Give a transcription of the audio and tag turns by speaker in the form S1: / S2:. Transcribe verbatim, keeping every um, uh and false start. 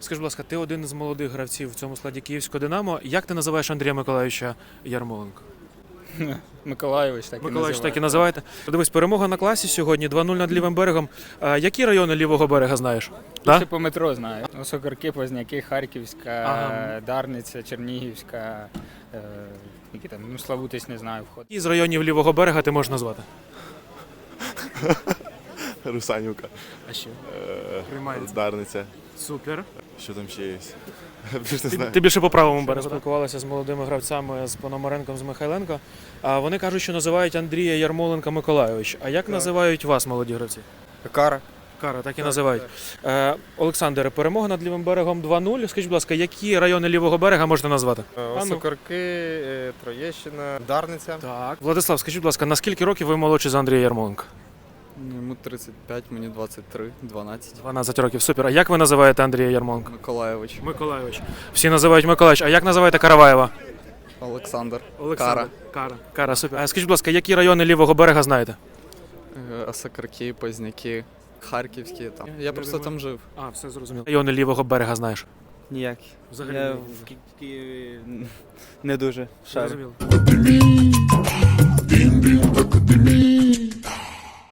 S1: Скажи, будь ласка, ти один з молодих гравців в цьому складі Київського Динамо. Як ти називаєш Андрія Миколайовича Ярмоленка?
S2: Миколайович так і
S1: Миколайович так і
S2: називає.
S1: називаєте. Дивись, перемога на класі сьогодні, два нуль над лівим берегом. А, які райони лівого берега знаєш?
S2: Да?
S1: Да?
S2: По метро знаю. Сокарки, Позняки, Харківська,
S1: Ага.
S2: Дарниця, Чернігівська, е, які там, ну, Славутич не знаю, вход.
S1: Які з районів лівого берега ти можеш назвати?
S3: Русанівка,
S1: А ще?
S3: е,
S1: Приймається.
S3: Дарниця.
S1: Супер.
S3: Що там ще є? Більш не
S1: Ти,
S3: знаю.
S1: ти більше по правому берегу. Спілкувалися з молодими гравцями, з Пономаренком, з Михайленко. А вони кажуть, що називають Андрія Ярмоленка Миколайович. А як називають вас, молоді гравці?
S2: Кара.
S1: Кара, так і називають. Е, Олександре, перемога над лівим берегом два нуль. Скажіть, будь ласка, які райони лівого берега можете назвати? А ну.
S4: Сокарки, Троєщина, Дарниця.
S1: Так. Владислав, скажіть, будь ласка, на скільки років ви молодші за Андрія Ярмоленка?
S5: Йому тридцять п'ять, мені двадцять три, дванадцять.
S1: дванадцять років, супер. А як ви називаєте Андрія Ярмоленка?
S5: Миколайович.
S1: Миколайович. Всі називають Миколайович. А як називаєте Караваєва?
S5: Олександр.
S1: Олександр. Кара. Кара, супер. А скажіть, будь ласка, які райони лівого берега знаєте?
S5: Е, Осокарки, Позняки, Харківські. Там. Я просто там жив.
S1: А, все зрозуміло. Райони лівого берега знаєш?
S6: Ніякі.
S1: Взагалі
S6: Я
S1: ні.
S6: в Ки- Києві не дуже шарю.
S1: Зрозуміло.